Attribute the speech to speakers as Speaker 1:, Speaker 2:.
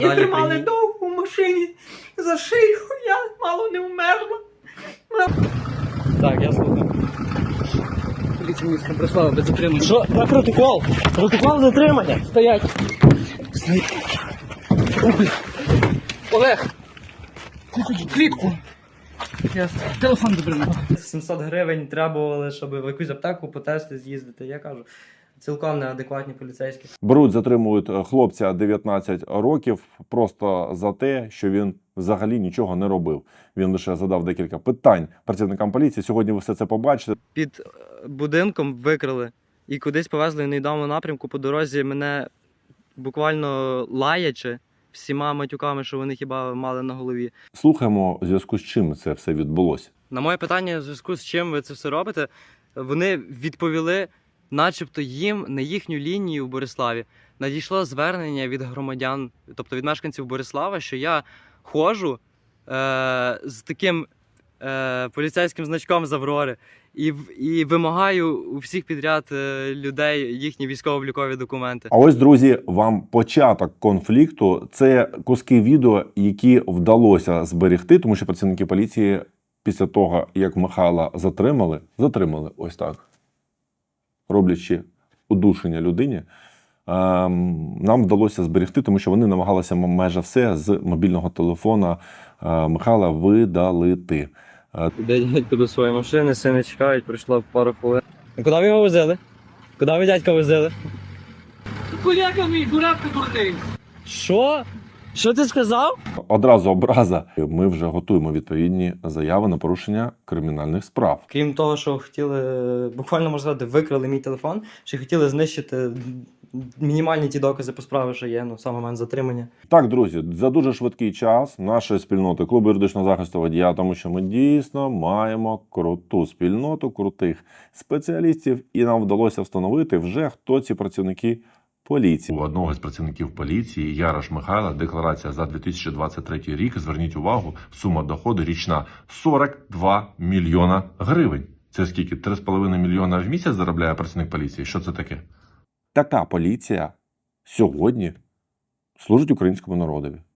Speaker 1: І тримали довго в машині за шию, я мало не вмерла.
Speaker 2: Так, я слухаю. Поліція міста прислала без затримання. Що? Дай протокол! Протокол затримання! Стоять! Олег! Клітку! Телефон добре.
Speaker 1: 700 гривень требували, щоб в якусь аптеку по тести з'їздити. Я кажу, цілком неадекватні поліцейські.
Speaker 3: Беруть, затримують хлопця 19 років просто за те, що він взагалі нічого не робив. Він лише задав декілька питань працівникам поліції. Сьогодні ви все це побачите.
Speaker 1: Під будинком викрили і кудись повезли в невідомому напрямку. По дорозі мене буквально лаячи всіма матюками, що вони хіба мали на голові.
Speaker 3: Слухаємо, у зв'язку з чим це все відбулося.
Speaker 1: На моє питання, в зв'язку з чим ви це все робите, вони відповіли, начебто їм на їхню лінію в Бориславі надійшло звернення від громадян, тобто від мешканців Борислава, що я ходжу з таким поліцейським значком з Аврори і вимагаю у всіх підряд людей їхні військово-облікові документи.
Speaker 3: А ось, друзі, вам початок конфлікту. Це куски відео, які вдалося зберегти, тому що працівники поліції після того, як Михайла затримали ось так, роблячи удушення людині, нам вдалося зберегти, тому що вони намагалися майже все з мобільного телефона Михайла видалити.
Speaker 1: Іде дядько до своєї машини, сини чекають, пройшло пару хвилин. А куди ви його возили? Куди ви дядька возили?
Speaker 2: Коляка мій, дурак ти дурний!
Speaker 1: Що? Що ти сказав?
Speaker 3: Одразу образа. Ми вже готуємо відповідні заяви на порушення кримінальних справ.
Speaker 1: Крім того, що хотіли, буквально можна сказати, викрали мій телефон, ще хотіли знищити мінімальні ті докази по справі, що є, саме момент затримання.
Speaker 3: Так, друзі, за дуже швидкий час нашої спільноти клубу юридичного захисту водія, тому що ми дійсно маємо круту спільноту, крутих спеціалістів, і нам вдалося встановити вже, хто ці працівники поліції. У одного з працівників поліції, Ярош Михайла, декларація за 2023 рік, зверніть увагу, сума доходу річна 42 мільйона гривень. Це скільки? 3,5 мільйона в місяць заробляє працівник поліції? Що це таке? Така поліція сьогодні служить українському народові.